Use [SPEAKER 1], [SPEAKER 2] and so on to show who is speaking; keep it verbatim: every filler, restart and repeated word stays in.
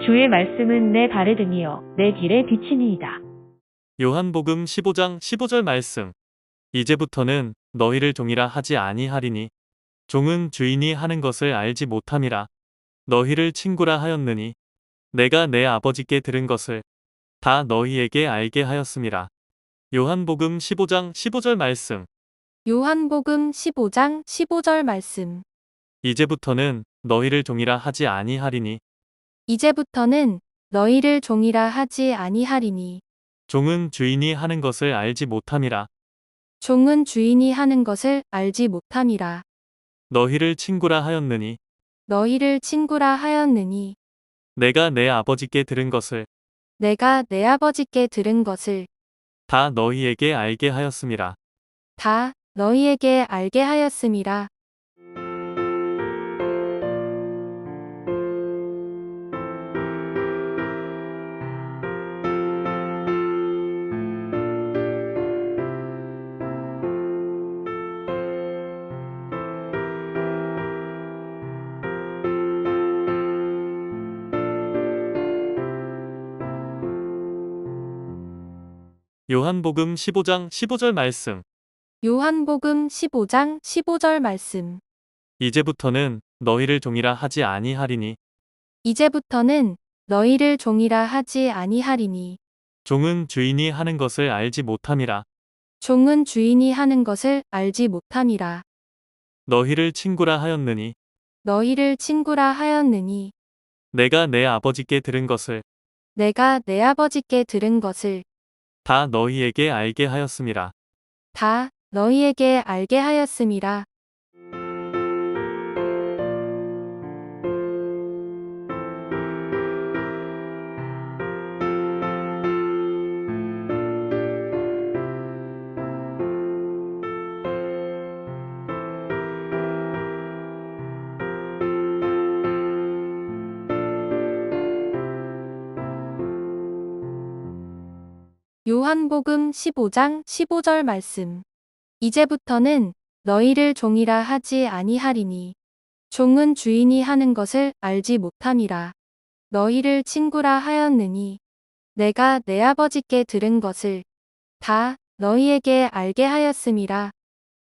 [SPEAKER 1] 주의 말씀은 내 발에 등이요 내 길에 비치니이다.
[SPEAKER 2] 요한복음 십오 장 십오 절 말씀. 이제부터는 너희를 종이라 하지 아니하리니 종은 주인이 하는 것을 알지 못함이라. 너희를 친구라 하였느니 내가 내 아버지께 들은 것을 다 너희에게 알게 하였음이라. 요한복음 십오 장 십오 절 말씀.
[SPEAKER 3] 요한복음 십오 장 십오 절 말씀.
[SPEAKER 2] 이제부터는 너희를 종이라 하지 아니하리니
[SPEAKER 3] 이제부터는 너희를 종이라 하지 아니하리니
[SPEAKER 2] 종은 주인이 하는 것을 알지 못함이라.
[SPEAKER 3] 종은 주인이 하는 것을 알지 못함이라.
[SPEAKER 2] 너희를 친구라 하였느니
[SPEAKER 3] 너희를 친구라 하였느니
[SPEAKER 2] 내가 내 아버지께 들은 것을
[SPEAKER 3] 내가 내 아버지께 들은 것을
[SPEAKER 2] 다 너희에게 알게 하였음이라.
[SPEAKER 3] 다 너희에게 알게 하였음이라.
[SPEAKER 2] 요한복음 십오 장 십오 절 말씀.
[SPEAKER 3] 요한복음 십오 장 십오 절 말씀.
[SPEAKER 2] 이제부터는 너희를 종이라 하지 아니하리니
[SPEAKER 3] 이제부터는 너희를 종이라 하지 아니하리니
[SPEAKER 2] 종은 주인이 하는 것을 알지 못함이라.
[SPEAKER 3] 종은 주인이 하는 것을 알지 못함이라.
[SPEAKER 2] 너희를 친구라 하였느니
[SPEAKER 3] 너희를 친구라 하였느니
[SPEAKER 2] 내가 내 아버지께 들은 것을
[SPEAKER 3] 내가 내 아버지께 들은 것을
[SPEAKER 2] 다 너희에게 알게 하였음이라.
[SPEAKER 3] 다 너희에게 알게 하였음이라. 요한복음 십오 장 십오 절 말씀. 이제부터는 너희를 종이라 하지 아니하리니 종은 주인이 하는 것을 알지 못함이라. 너희를 친구라 하였느니 내가 내 아버지께 들은 것을 다 너희에게 알게 하였음이라.